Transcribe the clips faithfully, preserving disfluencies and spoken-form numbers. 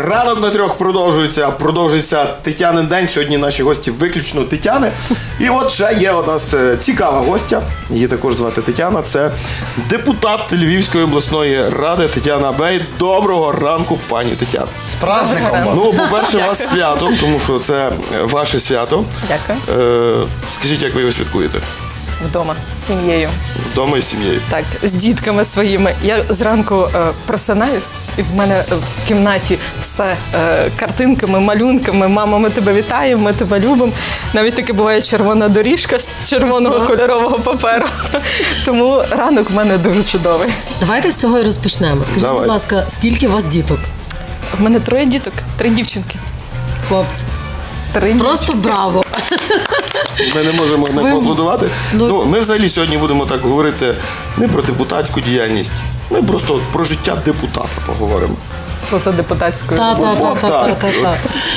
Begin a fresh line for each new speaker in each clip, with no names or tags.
Ранок на трьох продовжується, продовжується Тетянин день. Сьогодні наші гості виключно Тетяни. І от ще є у нас цікава гостя, її також звати Тетяна. Це депутат Львівської обласної ради Тетяна Бей. Доброго ранку, пані Тетяна.
З праздником.
Ну, по-перше, вас свято, тому що це ваше свято.
Дякую.
Е, скажіть, як ви його святкуєте?
Вдома, з сім'єю.
Вдома і з сім'єю?
Так, з дітками своїми. Я зранку е, просинаюсь, і в мене в кімнаті все е, картинками, малюнками. Мама, ми тебе вітаємо, ми тебе любимо. Навіть таки буває червона доріжка з червоного кольорового паперу. Тому ранок в мене дуже чудовий.
Давайте з цього і розпочнемо. Скажіть,
Давай.
будь ласка, скільки у вас діток?
В мене троє діток, три дівчинки.
Хлопці.
Три
Просто браво.
Ми не можемо не
Ви-
поаплодувати.
Ну-
Ну, ми взагалі сьогодні будемо так говорити не про депутатську діяльність. Ми просто от про життя депутата поговоримо.
поза депутатською.
Та-та-та-та-та-та.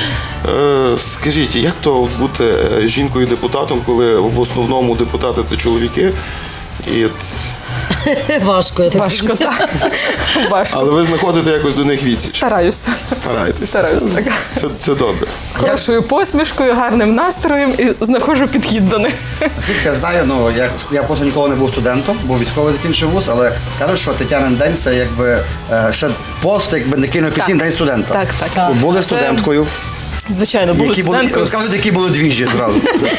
Е, скажіть, як то бути е, жінкою-депутатом, коли в основному депутати це чоловіки? І от...
Важко, я так
Важко,
розумію.
так. Важко.
Але ви знаходите якось до них відсіч.
Стараюся.
Стараєтесь.
Стараюсь,
це,
так.
це, це добре.
Хорошою посмішкою, гарним настроєм і знаходжу підхід до них.
Наскільки я знаю, ну я, я просто ніколи не був студентом, був військовий, закінчив вуз, але кажуть, що Тетянин день це якби е, ще пост, якби не офіційний
Так.
день студента.
Так, так, так.
Ви були
Це-
студенткою.
Звичайно, були
Які були,
студенткою.
розкажіть, які були двіжі зразу.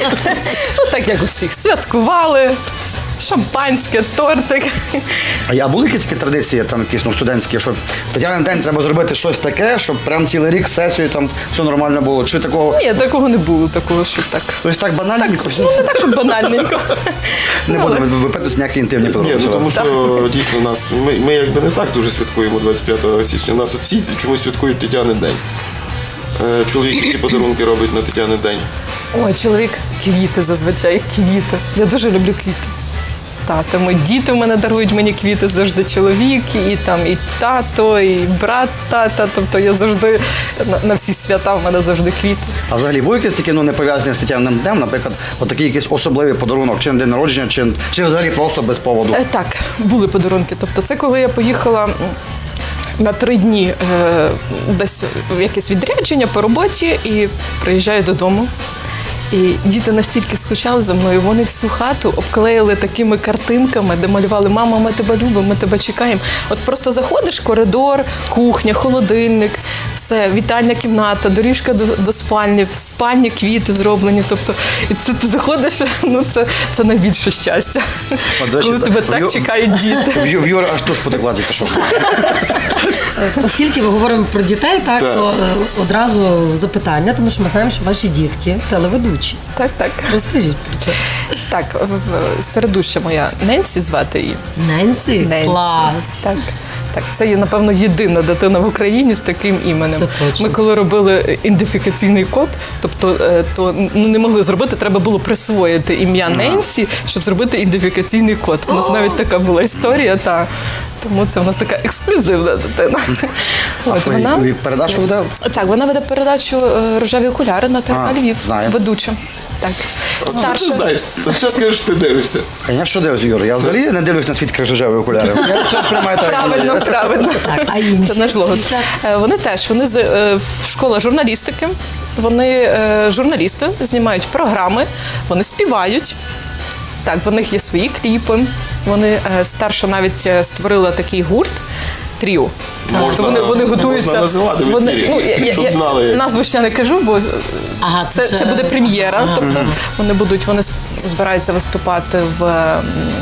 Ну, так як у всіх. Святкували, шампанське, тортик.
А я були якісь такі традиції, там якісь ну, студентські, що в Тетянин день треба зробити щось таке, щоб прям цілий рік сесію там все нормально було. Чи такого?
Ні, такого не було, такого, щоб так.
Тобто так банальненько, все.
Ну, не так, щоб банальненько.
Не
Ну, але-
будемо випитати ніякі інтимні
Ні,
подробиці.
ну тому що дійсно нас, ми, ми якби не так дуже святкуємо двадцять п'ятого січня. Нас от всі чомусь святкують Тетянин день. Е, чоловік, які подарунки робить на Тетянин день.
Ой, чоловік, квіти зазвичай, квіти. Я дуже люблю квіти. Так, тому і діти в мене дарують мені квіти завжди чоловік, і там і тато, і брат тата. Тобто я завжди на, на всі свята в мене завжди квіти.
А взагалі були якісь такі ну, не пов'язані з Тетяниним днем, наприклад, отакий якийсь особливий подарунок, чи на день народження, чи, чи взагалі просто без поводу?
Е, так, були подарунки. Тобто це коли я поїхала м, на три дні е, десь в якесь відрядження по роботі і приїжджаю додому. І діти настільки скучали за мною, вони всю хату обклеїли такими картинками, де малювали «Мама, ми тебе любимо, ми тебе чекаємо». От просто заходиш, коридор, кухня, холодильник, все, вітальня кімната, доріжка до, до спальні, в спальні квіти зроблені. Тобто, і це ти заходиш, ну це, це найбільше щастя,
От, до речі,
коли тебе
в
так
Ю-
чекають діти.
В Ю- в Юри аж туш потекла тільки що.
Оскільки ми говоримо про дітей, так,
Так.
то е, одразу запитання, тому що ми знаємо, що ваші дітки телеведучі.
Так, так.
Розкажіть про це.
Так, в- в- середуща моя Ненсі звати її.
Ненсі?
Ненсі.
Клас.
Так. Так, це є, напевно, єдина дитина в Україні з таким іменем.
Це точно.
Ми коли робили ідентифікаційний код, тобто е, то ну, не могли зробити, треба було присвоїти ім'я Ненсі, щоб зробити ідентифікаційний код. У нас навіть така була історія, та тому це у нас така ексклюзивна дитина. От, вона,
І передачу веде?
так, вона веде передачу е, «Рожеві окуляри» на ТРК
А,
Львів,
знаю.
ведуча. Так.
Ти
Старша.
знаєш, то ще скажеш, що ти дивишся.
Я що дивлюсь, Юра? Я взагалі не дивлюсь на світ крізь рожеві окуляри. Я все сприймаю так, як воно
Правильно,
є.
правильно.
Так, а інші?
Це наш логос. Е, Вони теж, вони з е, в школа журналістики, вони е, журналісти, знімають програми, вони співають. Так, в них є свої кліпи. Вони е, старша навіть е, створила такий гурт. Тріо.
Можна-
Тобто вони, вони
можна
готуються.
називати в
вони,
ефірі,
ну, я, я,
щоб
я
знали.
назву ще не кажу, бо
Ага,
це,
ще-
це буде прем'єра.
Ага.
Тобто вони будуть, вони збираються виступати в, м,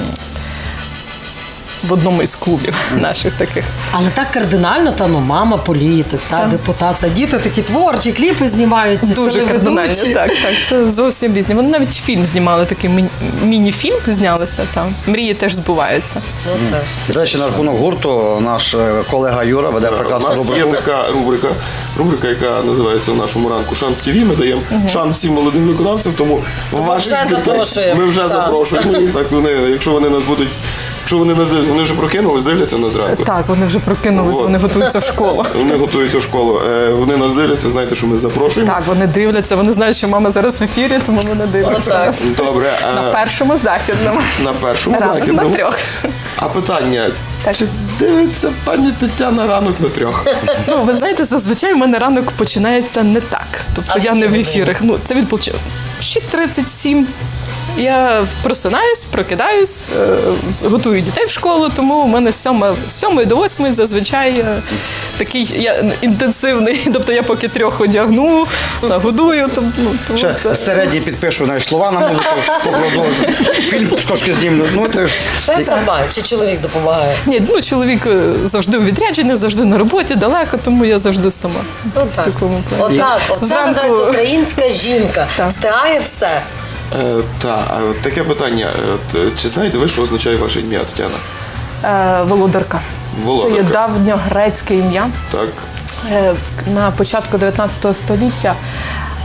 в одному із клубів наших таких.
Але так кардинально, та ну мама політик, та
Так.
депутат. Це діти такі творчі, кліпи знімають.
Дуже
телеведучі.
кардинально, так, так. Це зовсім різні. Вони навіть фільм знімали, такий міні- міні-фільм знялися там. Мрії теж збуваються.
До речі, на рахунок гурту наш е, колега Юра веде
У
прекрасну
нас є
рубрику.
така рубрика, рубрика, яка називається в нашому ранку «Шанс ТВ». Ми даємо шанс всім молодим виконавцям, тому ваших
вже
дітей
запрошуємо.
ми вже
Так.
запрошуємо їх. Так, вони, якщо вони нас будуть Що вони нас дивляться? Вони вже прокинулись, дивляться на зранку.
Так, вони вже прокинулись,
Вот.
вони готуються в школу.
Вони готуються в школу. Е, Вони нас дивляться, знаєте, що ми запрошуємо.
Так, вони дивляться, вони знають, що мама зараз в ефірі, тому вони дивляться.
Отак.
нас.
Добре, а
На першому західному.
на першому
Ранок на
західному.
трьох.
А питання,
Так.
чи дивиться пані Тетяна ранок на трьох?
Ну, ви знаєте, зазвичай у мене ранок починається не так. Тобто
А
я
в
не в
якій
ефірах. Ну, це від получ- шість тридцять сім. Я просинаюсь, прокидаюсь, е, готую дітей в школу, тому у мене з сьома- з сьомої до восьмої зазвичай е, такий я, інтенсивний. Тобто я поки трьох одягну, нагодую. Тому, ну, тому
Ще
це...
середні підпишу навіть слова на музику, покладу, фільм з кошки знімлю. Ну, ти ж...
Все сама, чи чоловік допомагає?
Ні, ну чоловік е, завжди у відрядженнях, завжди на роботі, далеко, тому я завжди сама.
Отак.
В такому плані.
Отак, оце
Зранку-
називається українська жінка.
Так.
Встигає все.
Е, та, а от таке питання. Е, от, е, чи знаєте ви, що означає ваше ім'я, Тетяна?
Е, Володарка.
Володарка.
Це є давньогрецьке ім'я.
Так.
Е, в- На початку дев'ятнадцятого століття е,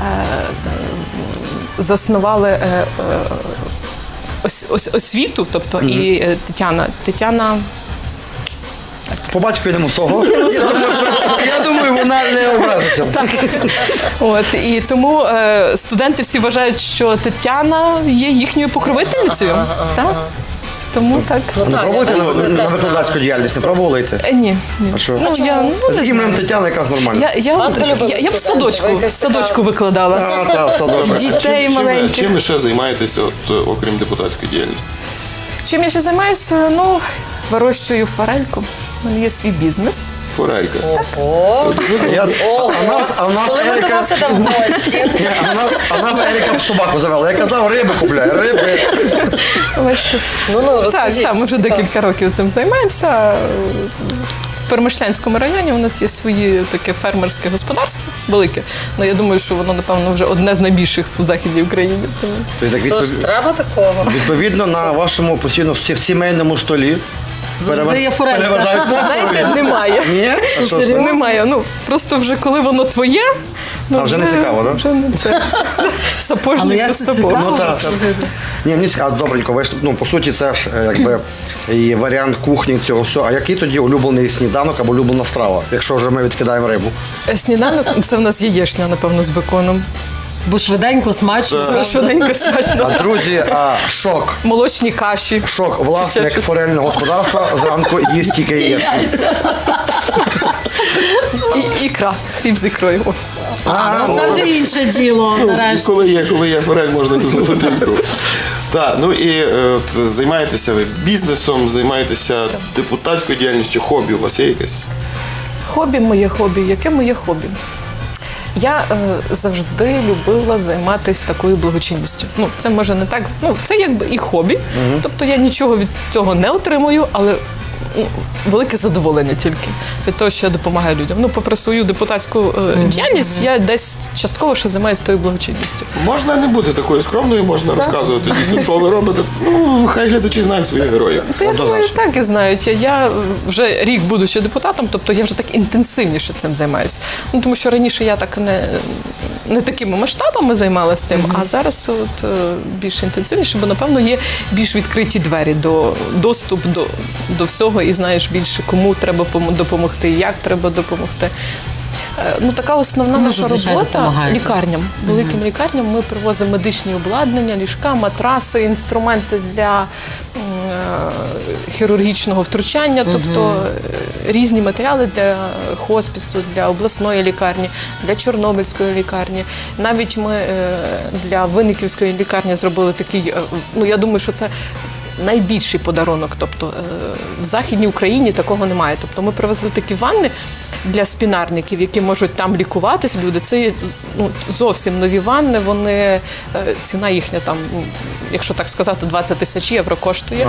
заснували е, е, ос- ос- освіту, тобто і е, Тетяна. Тетяна
По батьку йдемо свого. Я думаю, що, я думаю, вона не образиться.
так. От і тому е, студенти всі вважають, що Тетяна є їхньою покровительницею. Так? Тому так.
Ну
Не
так,
пробуйте
я
на,
бачу, це
на
теж
викладацьку діяльність, не пробували йти?
Е, Ні, ні.
А що?
Ну, я, ну, не
З ім'ям
знаю.
Тетяна якраз нормально.
Я, я,
Вас би любили
я, я в
студенти, ви
садочку, в
якась
садочку
така-
викладала.
А, та, в садочок.
Дітей
чим, чим, ви-
маленьких.
чим ви ще займаєтеся, от, е, окрім депутатської діяльності?
Чим я ще займаюся? Ну, вирощую форельку. У мене є свій бізнес.
Форелька.
Ого.
Я,
Ого.
а нас, а в нас
Коли ми до
Ерика,
вас ідемо в гості.
а в нас, а в нас Ерика собаку завела. Я казав, риби купляє, риби.
Бачите?
Ну, ну,
Так,
розкажіть.
так, ми вже
Цікаво.
декілька років цим займаємося. В Перемишлянському районі у нас є своє таке фермерське господарство велике. Ну я думаю, що воно, напевно, вже одне з найбільших в Західній Україні. Тому
Тобто, так,
Тож
відпов-
треба такого.
відповідно, на вашому постійно в сімейному столі
Завжди є форелька.
переважають
знаєте, немає.
Ні? А що ж це?
Серйозно?
Немає. Ну просто вже коли воно твоє, ну
А вже не цікаво, да?
Вже не це.
Але
Сапожник
як
без
це
сапог.
цікаво?
Ну так. Ні, мені цікаво, добренько. Ви ж, ну, по суті, це ж е, якби і варіант кухні цього всього. А який тоді улюблений сніданок або улюблена страва, якщо вже ми відкидаємо рибу?
Сніданок це в нас яєчня, напевно, з беконом.
Бо швиденько, смачно.
Це швиденько смачно.
А друзі, а, шок.
Молочні каші.
Шок.
Чи ще
Власник
щось?
форельного господарства зранку їсть тільки яєчню.
І ікра. Хліб з ікрою. О.
А, ну, це вже інше діло,
І
нарешті.
коли є, коли є форель, можна дозволити ікру. Так, ну і е, от, займаєтеся ви бізнесом, займаєтеся депутатською діяльністю, хобі у вас є якесь?
Хобі моє хобі. Яке моє хобі? Я е, завжди любила займатися такою благочинністю. Ну, це може не так. Ну, це якби і хобі. Тобто я нічого від цього не отримую, але ну, велике задоволення тільки від того, що я допомагаю людям. Ну, попри свою депутатську е, діяльність, я десь частково ще займаюся тою благочинністю.
Можна не бути такою скромною, можна розказувати дійсно, що ви робите. Ну, хай глядачі знають своїх героїв.
То я думаю, так і знають. Я, я вже рік, будучи депутатом, тобто я вже так інтенсивніше цим займаюся. Ну, тому що раніше я так не, не такими масштабами займалася цим, а зараз от, е, більш інтенсивніше, бо, напевно, є більш відкриті двері до доступ до, до всього і знаєш більше, кому треба пом- допомогти, як треба допомогти. Е, Ну, така основна
Кому
наша
зазвичай
робота
допомагаєте?
лікарням. Великим лікарням ми привозимо медичні обладнання, ліжка, матраси, інструменти для м, е, хірургічного втручання, тобто е, різні матеріали для хоспісу, для обласної лікарні, для Чорнобильської лікарні. Навіть ми е, для Винниківської лікарні зробили такий, е, ну я думаю, що це найбільший подарунок. Тобто е, в Західній Україні такого немає. Тобто ми привезли такі ванни для спінарників, які можуть там лікуватись. Люди, це є, ну, зовсім нові ванни. Вони е, ціна їхня там, ну, якщо так сказати, двадцять тисяч євро коштує.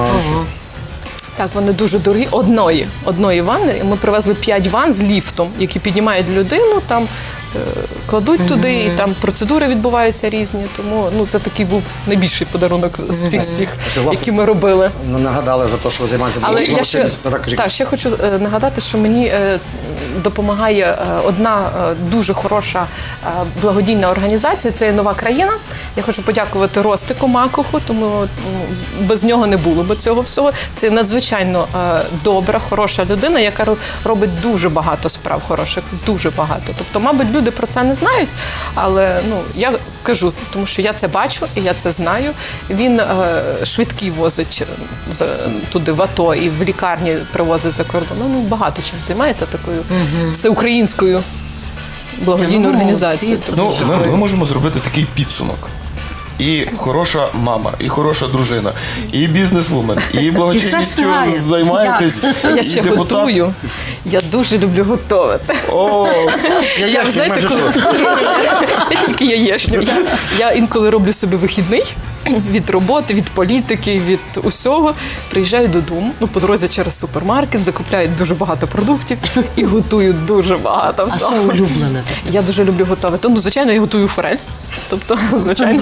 Так, вони дуже дорогі. Одної, одної ванни. Ми привезли п'ять ванн з ліфтом, які піднімають людину, там е, кладуть туди, і там процедури відбуваються різні. Тому ну, це такий був найбільший подарунок з- з цих всіх,
Це, власне,
які ми робили.
Нагадали за те, що ви займаєтеся
Але я ще,
благочинністю. Так, кажіть.
так, ще хочу е, нагадати, що мені е, допомагає е, одна е, дуже хороша е, благодійна організація. Це є «Нова країна». Я хочу подякувати Ростику Макуху, тому м, без нього не було би цього всього. Це надзвичайно е, добра, хороша людина, яка ро- робить дуже багато справ хороших, дуже багато. Тобто, мабуть, люди про це не знають, але ну я кажу, тому що я це бачу і я це знаю. Він е, швидкі возить за, туди в АТО і в лікарні привозить за кордон. Ну, багато чим займається такою всеукраїнською благодійною
Ну,
організацією.
молодці,
Це
Ну,
дуже
ми,
круто.
ми можемо зробити такий підсумок. І хороша мама, і хороша дружина, і бізнесвумен, і благочинністю
встигає.
займаєтесь.
Я
і
ще
депутат.
готую. Я дуже люблю готувати.
О,
Я
Я,
ящик
знаєте,
майже
коли...
що.
я тільки яєчню. Я, я інколи роблю собі вихідний від роботи, від політики, від усього. Приїжджаю додому, ну, по дорозі через супермаркет, закупляю дуже багато продуктів і готую дуже багато
А що
всього.
улюблене?
Я дуже люблю готувати. Ну, звичайно, я готую форель. Тобто, звичайно,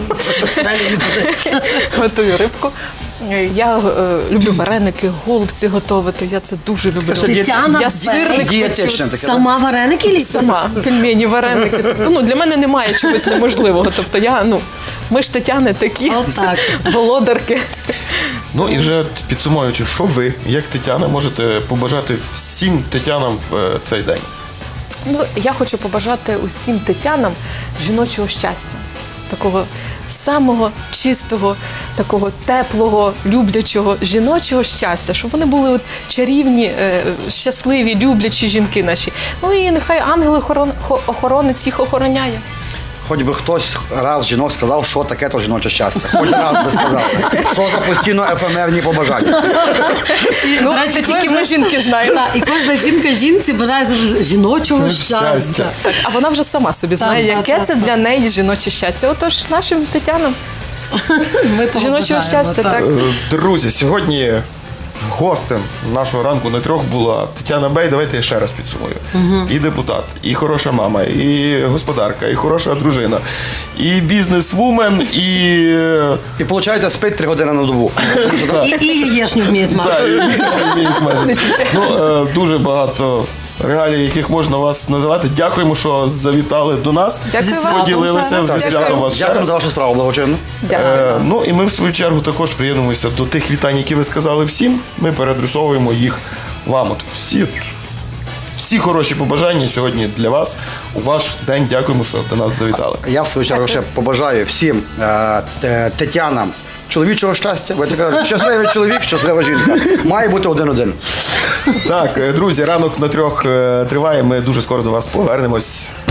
готую рибку. Я е, люблю вареники, голубці готувати. Я це дуже люблю.
Тетяна
Я
Бей.
сирник
Дієтичне
хочу.
таке.
Сама вареники ліпить?
Сама пельмені, вареники. Тобто, ну, для мене немає чогось неможливого. Тобто я, ну, ми ж Тетяни такі
Отак.
володарки.
ну і вже от підсумовуючи, що ви, як Тетяна, можете побажати всім Тетянам в е, цей день?
Ну, я хочу побажати усім Тетянам жіночого щастя. Такого самого чистого, такого теплого, люблячого жіночого щастя, щоб вони були от чарівні, е, щасливі, люблячі жінки наші. Ну і нехай ангел-охоронець їх охороняє.
Хоч би хтось раз жінок сказав, що таке то жіноче щастя. Хоч раз би сказав. Що за постійно ефемерні побажання.
Ну,
До речі,
це тільки
кожна-
ми жінки знаємо.
Так, і кожна жінка жінці бажає завжди жіночого
Щастя.
щастя.
Так, а вона вже сама собі знає,
Так,
яке
так,
це
так,
для неї жіноче щастя. Отож, нашим Тетянам
Ми того
жіночого
бажаємо,
щастя,
так.
так.
Е, Друзі, сьогодні гостем нашого ранку на трьох була Тетяна Бей. Давайте я ще раз підсумую. І депутат, і хороша мама, і господарка, і хороша дружина, і бізнесвумен, і... е,
І виходить, спить три години на добу.
І, і яєшню вміє
Так,
змати.
і- і- і смажити. Ну, е, дуже багато реалій, яких можна вас називати. Дякуємо, що завітали до нас.
Дякую вам.
Поділилися
Дякую.
зі святом вас ще
Дякую
раз.
за вашу справу, благочинну.
Дякую.
Е, ну і ми в свою чергу також приєднуємося до тих вітань, які ви сказали всім. Ми переадресовуємо їх вам. От всі, всі хороші побажання сьогодні для вас. У ваш день дякуємо, що до нас завітали.
Я в свою чергу ще побажаю всім е, те- Тетянам чоловічого щастя. Ви така, щасливий чоловік, щаслива жінка. Має бути один-один.
Так, е, друзі, ранок на трьох е, триває. Ми дуже скоро до вас повернемось.